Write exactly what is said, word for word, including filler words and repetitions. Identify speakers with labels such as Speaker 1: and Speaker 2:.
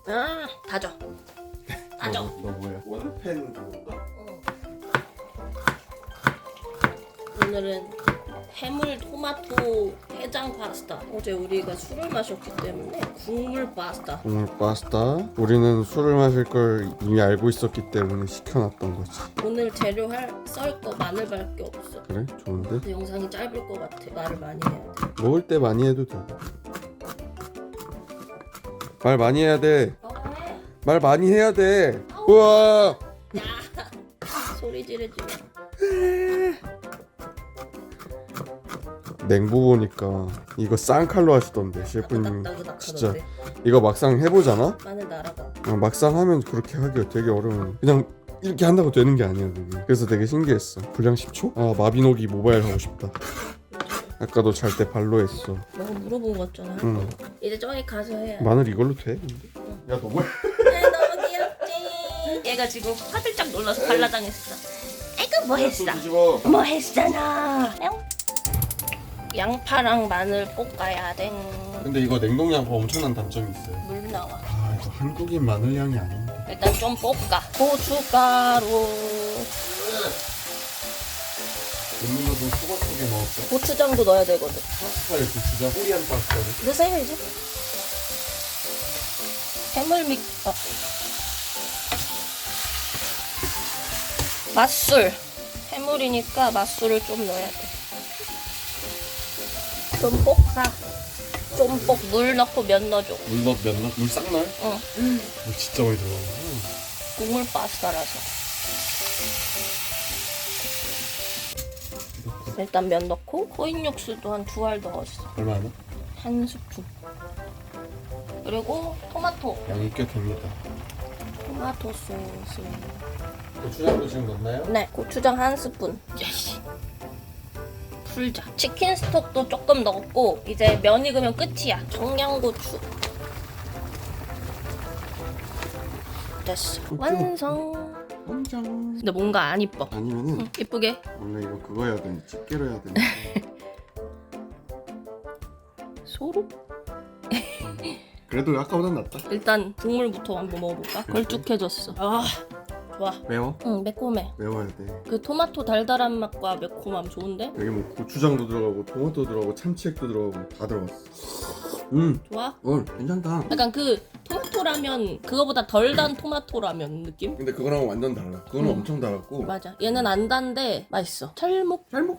Speaker 1: 아, 다져. 다져.
Speaker 2: 너, 너 뭐야? 원팬 그건가?
Speaker 1: 어. 오늘은 해물 토마토 해장 파스타. 어제 우리가 술을 마셨기 때문에 국물 파스타.
Speaker 2: 국물 파스타. 우리는 술을 마실 걸 이미 알고 있었기 때문에 시켜놨던 거지.
Speaker 1: 오늘 재료 할 썰 거 마늘밖에 없어.
Speaker 2: 그래? 좋은데?
Speaker 1: 근데 영상이 짧을 것 같아. 말을 많이 해야 돼.
Speaker 2: 먹을 때 많이 해도 돼. 말 많이 해야 돼.
Speaker 1: 너가 해.
Speaker 2: 말 많이 해야 돼. 우와.
Speaker 1: 야, 소리 지르지 마.
Speaker 2: 냉부 보니까 이거 쌍칼로 하시던데 셰프님.
Speaker 1: 따그닥따그닥
Speaker 2: 진짜
Speaker 1: 하던데.
Speaker 2: 이거 막상 해보잖아?
Speaker 1: 마늘 날아가.
Speaker 2: 어, 막상 하면 그렇게 하기가 되게 어려워. 그냥 이렇게 한다고 되는 게 아니야 그게. 그래서 되게 신기했어. 분량 십 초? 아 마비노기 모바일 하고 싶다. 아까도 잘 때 발로 했어.
Speaker 1: 너가 물어본 거 같잖아.
Speaker 2: 응.
Speaker 1: 이제 저기 가서 해야 돼.
Speaker 2: 마늘 이걸로 돼? 야 너 뭐야?
Speaker 1: 아, 너무 귀엽지. 얘가 지금 화들짝 놀라서 발라당했어. 아이고 뭐 했어?
Speaker 2: 뒤집어.
Speaker 1: 뭐 했잖아. 양파랑 마늘 볶아야 돼.
Speaker 2: 근데 이거 냉동양파 엄청난 단점이 있어요.
Speaker 1: 물 나와.
Speaker 2: 아 이거 한국인 마늘 향이 아닌데.
Speaker 1: 일단 좀 볶아. 고춧가루.
Speaker 2: 음료도 소가 속에 넣었어.
Speaker 1: 고추장도 넣어야 되거든.
Speaker 2: 파스타에 고추장 뿌리한 파스타를.
Speaker 1: 넣으세요 이제. 해물 믹. 어. 맛술. 해물이니까 맛술을 좀 넣어야 돼. 좀 볶아. 좀 볶. 물 넣고 면 넣어줘.
Speaker 2: 물 넣, 면 넣, 물 싹 넣어요?
Speaker 1: 응.
Speaker 2: 물 진짜 많이 들어가.
Speaker 1: 국물 파스타라서. 일단 면 넣고 코인 육수도 한 두 알 넣었어.
Speaker 2: 얼마나?
Speaker 1: 한 스푼. 그리고 토마토.
Speaker 2: 양이 꽤 됩니다.
Speaker 1: 토마토 소스.
Speaker 2: 고추장도 지금 넣나요?
Speaker 1: 네, 고추장 한 스푼. 야씨. 풀자. 치킨 스톡도 조금 넣었고 이제 면 익으면 끝이야. 청양고추. 됐어. 완성.
Speaker 2: 완전.
Speaker 1: 근데 뭔가 안 이뻐.
Speaker 2: 아니면은
Speaker 1: 응, 이쁘게.
Speaker 2: 원래 이거 그거 해야 되는데 집게로 해야 되는데.
Speaker 1: 소로?
Speaker 2: 그래도 아까보단 낫다.
Speaker 1: 일단 국물부터 한번 먹어볼까? 걸쭉해졌어. 아, 좋아.
Speaker 2: 매워?
Speaker 1: 응, 매콤해.
Speaker 2: 매워야 돼.
Speaker 1: 그 토마토 달달한 맛과 매콤함 좋은데?
Speaker 2: 여기 뭐 고추장도 들어가고 토마토 들어가고 참치액도 들어가고 다 들어갔어. 음,
Speaker 1: 좋아?
Speaker 2: 어 괜찮다.
Speaker 1: 약간 그 토마토라면 그거보다 덜 단 토마토라면 느낌?
Speaker 2: 근데 그거랑 완전 달라. 그거는
Speaker 1: 음.
Speaker 2: 엄청 달았고.
Speaker 1: 맞아. 얘는 안 단데 맛있어. 찰목.
Speaker 2: 잘 먹.